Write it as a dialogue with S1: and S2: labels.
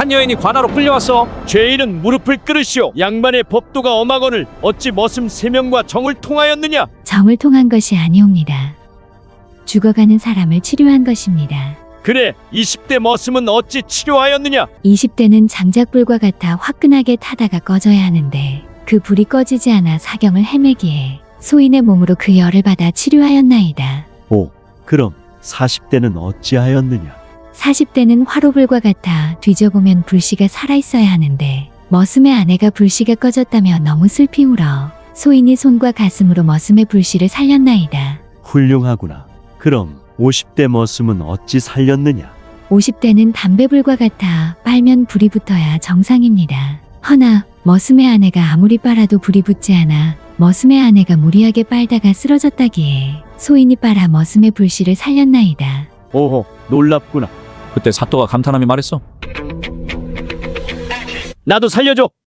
S1: 한 여인이 관하로 끌려왔어.
S2: 죄인은 무릎을 꿇으시오. 양반의 법도가 엄하거늘 어찌 머슴 3명과 정을 통하였느냐?
S3: 정을 통한 것이 아니옵니다. 죽어가는 사람을 치료한 것입니다.
S2: 그래 20대 머슴은 어찌 치료하였느냐?
S3: 20대는 장작불과 같아 화끈하게 타다가 꺼져야 하는데 그 불이 꺼지지 않아 사경을 헤매기에 소인의 몸으로 그 열을 받아 치료하였나이다.
S4: 오, 그럼 40대는 어찌하였느냐?
S3: 40대는 화로불과 같아 뒤져보면 불씨가 살아있어야 하는데 머슴의 아내가 불씨가 꺼졌다며 너무 슬피 울어 소인이 손과 가슴으로 머슴의 불씨를 살렸나이다.
S4: 훌륭하구나. 그럼 50대 머슴은 어찌 살렸느냐?
S3: 50대는 담배불과 같아 빨면 불이 붙어야 정상입니다. 허나 머슴의 아내가 아무리 빨아도 불이 붙지 않아 머슴의 아내가 무리하게 빨다가 쓰러졌다기에 소인이 빨아 머슴의 불씨를 살렸나이다.
S4: 오호, 놀랍구나.
S1: 그때 사또가 감탄하며 말했어.
S2: 나도 살려줘.